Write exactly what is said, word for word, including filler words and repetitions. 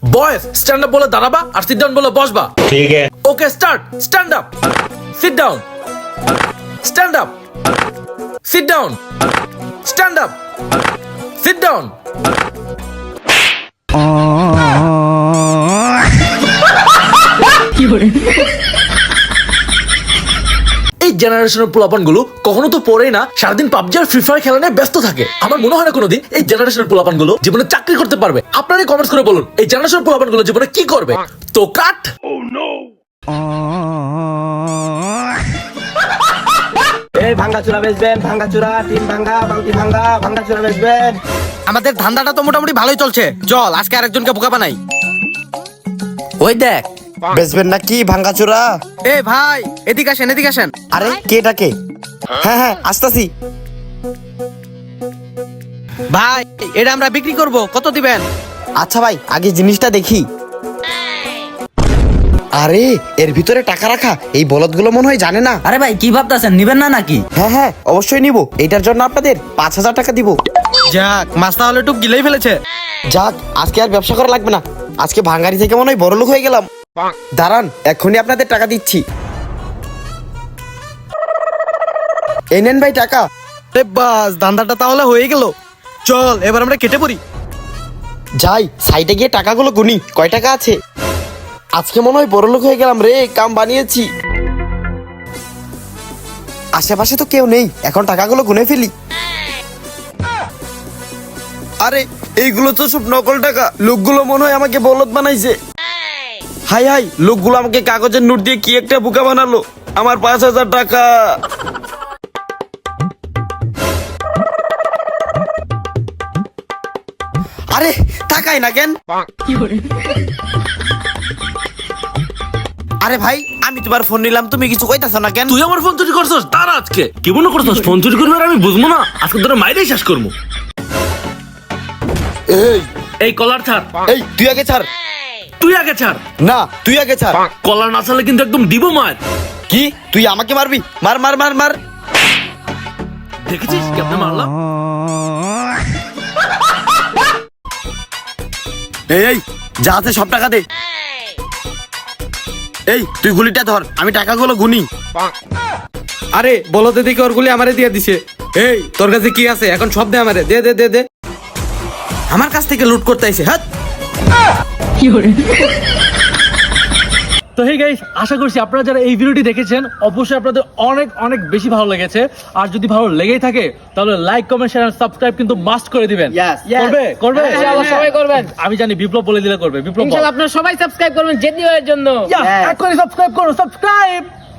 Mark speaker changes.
Speaker 1: Boys stand up बोले दाঁড়াবা আর seat down बोले बसবা।
Speaker 2: ठीक है।
Speaker 1: Okay start. Stand up, sit down, stand up, sit down, stand up, sit down. এই জেনারেশনের পোলাপান গুলো কখনো তো পড়েই না, সারাদিন পাবজি আর ফ্রি ফায়ার খেলা নিয়ে ব্যস্ত থাকে। আমার মনে হয় না কোনোদিন এই জেনারেশনের পোলাপান গুলো জীবনে চাকরি করতে পারবে। আপনারা কমেন্টস করে বলুন এই জেনারেশনের পোলাপান গুলো জীবনে কি করবে। তো কাট।
Speaker 3: এই ভাঙ্গাচুরা বেচবেন, ভাঙ্গাচুরা টিম ভাঙ্গা, বালতি ভাঙ্গা, ভাঙ্গাচুরা বেচবেন।
Speaker 4: আমাদের ধান্দাটা তো মোটামুটি ভালোই চলছে, চল আজকে আরেকজনকে বোকা বানাই। ওই দেখ
Speaker 3: বেচবেন নাকি ভাঙ্গাচুরা?
Speaker 4: এ ভাই এদিকে আসেন, এদিকে আসেন।
Speaker 3: আরে কেটাকে? হ্যাঁ হ্যাঁ আসতাছি।
Speaker 4: ভাই এটা আমরা বিক্রি করব, কত দিবেন?
Speaker 3: আচ্ছা ভাই আগে জিনিসটা দেখি। আরে এর ভিতরে টাকা রাখা, এই বলদগুলো মনে হয় জানে না।
Speaker 5: আরে ভাই কি ভাবতেছেন, নিবেন না নাকি?
Speaker 3: হ্যাঁ হ্যাঁ অবশ্যই নিব, এটার জন্য আপনাদের পাঁচ হাজার টাকা দিব।
Speaker 4: যাক মাছ তাহলে একটু গিলেই ফেলেছে।
Speaker 3: যাক আজকে আর ব্যবসা করা লাগবে না, আজকে ভাঙ্গারি থেকে মনে হয় বড়লোক হয়ে গেলাম। দাঁড়ান এখনই আপনাদের টাকা দিচ্ছি। এই নেন ভাই টাকা।
Speaker 4: আরে বাস ধান্দাটা তাহলে হয়ে গেল, চল এবার আমরা কেটে পড়ি।
Speaker 3: যাই সাইডে গিয়ে টাকাগুলো গুনি, কয় টাকা আছে। আজকে মনে হয় বড়লোক হয়ে গেলাম রে, কাম বানিয়েছি। আশেপাশে তো কেউ নেই, এখন টাকাগুলো গুনে ফেলি। আরে এইগুলো তো সব নকল টাকা, লোকগুলো মনে হয় আমাকে বলদ বানাইছে। হাই হাই, লোকগুলো আমাকে কাগজের নোট দিয়ে কি একটা বোকা বানালো। আমার পাঁচ হাজার টাকা। আরে টাকাই না কেন? আরে ভাই আমি তোমার ফোন নিলাম, তুমি কিছু কইতাছ না কেন?
Speaker 1: তুই আমার ফোন চুরি করছস, তার আজকে কি মনে করছস ফোন চুরি করবি আর আমি বুঝবো না? আজকে তোরা মাইরেই শেষ করবো।
Speaker 3: এই
Speaker 1: এই কলার ছাড়।
Speaker 3: এই তুই আগে ছাড়।
Speaker 1: তুই আগে ছাড়।
Speaker 3: না তুই আগে ছাড়।
Speaker 1: কলার না ছাড়লে কিন্তু একদম দিব মার।
Speaker 3: কি তুই আমাকে মারবি? মার মার মার মার।
Speaker 1: দেখেছিস কেমনে মারলাম?
Speaker 3: এই এই যা আছে সব টাকা দে। এই তুই গুলিটা ধর, আমি টাকাগুলো গুনি।
Speaker 6: আরে বলতে দেখে ওর গুলি আমারে দিয়ে দিছে। এই তোর কাছে কি আছে এখন সব দে আমারে, দে দে দে দে।
Speaker 4: আমার কাছ থেকে লুট করতে আইছে। হ্যাঁ
Speaker 7: তো হে গাইস, আশা করছি আপনারা যারা এই ভিডিওটি দেখেছেন অবশ্যই আপনাদের অনেক অনেক বেশি ভালো লেগেছে। আর যদি ভালো লেগেই থাকে তাহলে লাইক কমেন্ট শেয়ার সাবস্ক্রাইব কিন্তু মাস্ট করে দিবেন। করবে করবে
Speaker 8: ইনশাআল্লাহ সবাই করবেন।
Speaker 7: আমি জানি বিপ্লব বলে দিলে করবে। বিপ্লব
Speaker 8: ইনশাআল্লাহ আপনারা সবাই সাবস্ক্রাইব করবেন জেদ এর জন্য।
Speaker 7: এখনই সাবস্ক্রাইব করুন, সাবস্ক্রাইব।